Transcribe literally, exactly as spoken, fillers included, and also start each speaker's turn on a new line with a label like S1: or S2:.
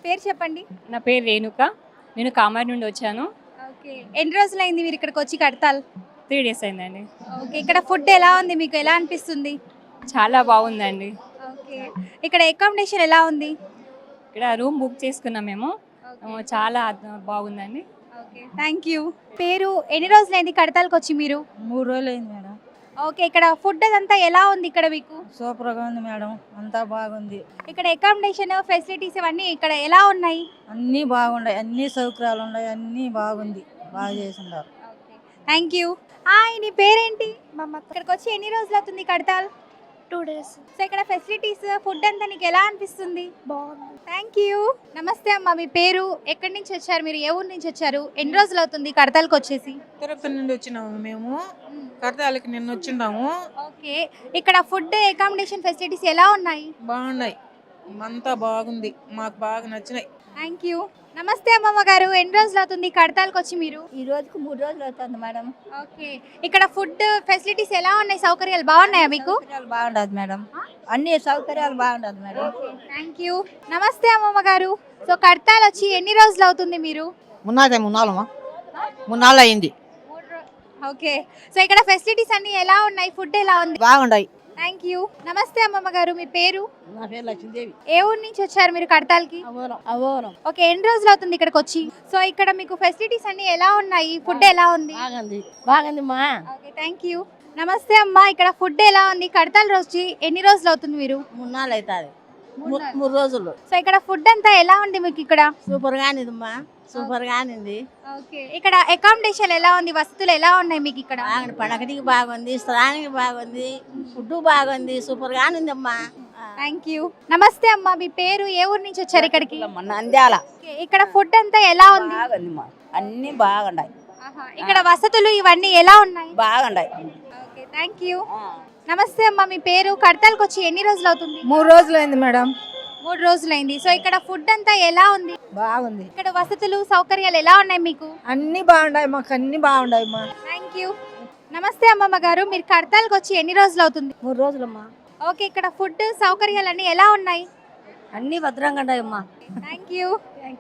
S1: పేరు చెప్పండి.
S2: నా పేరు రేణుక. నేను కామారి నుండి వచ్చాను.
S1: ఓకే. ఎన్ని రోజులైంది మీరు ఇక్కడికి వచ్చి కడతాల్?
S2: త్రీ డేస్ అయిందండి.
S1: ఓకే. ఇక్కడ ఫుడ్ ఎలా ఉంది, మీకు ఎలా అనిపిస్తుంది?
S2: చాలా బాగుందండి.
S1: ఓకే. ఇక్కడ అకామిడేషన్ ఎలా ఉంది?
S2: ఇక్కడ రూమ్ బుక్ చేసుకున్నాం మేము. ఆ, చాలా అద్భు- బాగుందండి.
S1: Okay, thank you. పేరు ఎన్ని రోజులైంది కడతాల్కి వచ్చి మీరు?
S3: మూడు రోజులు అయింది మేడం.
S1: ఓకే. ఇక్కడ ఫుడ్ అదంతా ఎలా ఉంది ఇక్కడ మీకు?
S3: సూపర్గా ఉంది మేడం, అంతా బాగుంది.
S1: ఇక్కడ అకామిడేషన్ ఫెసిలిటీస్ ఇవన్నీ ఇక్కడ ఎలా ఉన్నాయి?
S3: అన్నీ బాగున్నాయి, అన్ని సౌకర్యాలు ఉన్నాయి, అన్నీ బాగుంది, బాగా చేసిండారు.
S1: Thank you. హాయ్, నీ పేరేంటి? ఇక్కడికి వచ్చి ఎన్ని రోజులు అవుతుంది కడతాల్?
S4: టూ డేస్
S1: సో ఇక్కడ ఫెసిలిటీస్ ఫుడ్ అంతా నీకు ఎలా అనిపిస్తుంది?
S4: బాగుంది.
S1: Thank you. నమస్తే అమ్మా, మీ పేరు, ఎక్కడి నుంచి వచ్చారు మీరు, ఏ ఊరు నుంచి వచ్చారు, ఎన్ని రోజులు అవుతుంది కడతాల్కి వచ్చేసి?
S5: తిరుపతి నుండి వచ్చినాము మేము. కడతాలకి నిన్న వచ్చిండాము.
S1: ఓకే. ఇక్కడ ఫుడ్ అకామిడేషన్ ఫెసిలిటీస్ ఎలా ఉన్నాయి?
S5: బాగున్నాయి, అంతా బాగుంది, మాకు బాగా నచ్చినాయి.
S1: Thank you. నమస్తే అమ్మమ్మ గారు, ఎన్ని రోజులు అవుతుంది కడతాల్కి వచ్చి మీరు?
S3: ఈ రోజుకు మూడు రోజులు అవుతుంది మేడం.
S1: ఓకే. ఇక్కడ ఫుడ్ ఫెసిలిటీస్ ఎలా ఉన్నాయి, సౌకర్యాలు బాగున్నాయా మీకు?
S3: సౌకర్యాలు బాగుండదు మేడం, అన్ని సౌకర్యాలు బాగుండదు మేడం.
S1: Thank you. నమస్తే అమ్మమ్మ గారు, సో కడతాల్ వచ్చి ఎన్ని రోజులు అవుతుంది మీరు?
S6: మున్నాదే మున్నాలమ్మా మున్నాళ్ళు అయింది.
S1: ఓకే. సో ఇక్కడ ఫెసిలిటీస్ అన్ని ఎలా ఉన్నాయి, ఫుడ్ ఎలా ఉంది?
S6: బాగుండాయి.
S1: Thank you. నమస్తే అమ్మమ్మ గారు, మీ పేరు,
S6: నా పేరు లక్ష్మీదేవి.
S1: ఏ ఊరు నుంచి వచ్చారు మీరు కడతాల్కి?
S6: అవోరం అవోరం
S1: ఓకే. ఎన్ని రోజులు అవుతుంది ఇక్కడికి వచ్చి? సో ఇక్కడ మీకు ఫెసిలిటీస్ అన్ని ఎలా ఉన్నాయి, ఫుడ్ ఎలా ఉంది?
S6: బాగుంది బాగుంది మా.
S1: Okay, thank you. నమస్తే అమ్మా, ఇక్కడ ఫుడ్ ఎలా ఉంది కడతాల్ రోజు ఎన్ని రోజులు అవుతుంది మీరు?
S6: మున్నాళ్ళు అవుతుంది, మూడు రోజులు.
S1: సో ఇక్కడ ఫుడ్ అంతా ఎలా ఉంది మీకు ఇక్కడ?
S6: సూపర్ గానిదమ్మా, సూపర్ గానింది.
S1: ఓకే. ఇక్కడ అకామిడేషన్ ఎలా ఉంది, వసతులు ఎలా ఉన్నాయి మీకు ఇక్కడ?
S6: బాగుంది, పండగటికి బాగుంది, స్నానానికి బాగుంది, ఫుడ్ బాగుంది, సూపర్ గానిందమ్మా.
S1: Thank you. నమస్తే అమ్మా, మీ పేరు, ఏ ఊరు నుంచి వచ్చారు ఇక్కడికి?
S6: నంద్యాల.
S1: ఓకే. ఇక్కడ ఫుడ్ అంతా ఎలా ఉంది?
S6: బాగుంది, అన్ని బాగుండాయి,
S1: ఆహా. ఇక్కడ వసతులు ఇవన్నీ ఎలా ఉన్నాయి?
S6: బాగుండాయి.
S1: Okay, thank you. నమస్తే అమ్మా, మీ పేరు, కడతాల్కి వచ్చి ఎన్ని రోజులు అవుతుంది?
S3: మూడు రోజులు అయింది మేడం.
S1: మూడు రోజులైంది. సో ఇక్కడ ఫుడ్ అంతా ఎలా ఉంది?
S3: బాగుంది,
S1: ఇక్కడ వసతులు సౌకర్యాలు ఎలా ఉన్నాయి మీకు?
S3: అన్ని బాగుండాయి, మాకు అన్ని బాగుండాయి మా.
S1: Thank you. నమస్తే అమ్మమ్మ గారు, మీరు కడతాల్కి వచ్చి ఎన్ని రోజులు అవుతుంది?
S3: మూడు రోజులమ్మా.
S1: ఓకే. ఇక్కడ ఫుడ్ సౌకర్యాలు అన్ని ఎలా ఉన్నాయి?
S3: అన్ని భద్రంగా ఉన్నాయమ్మా.
S1: Thank you.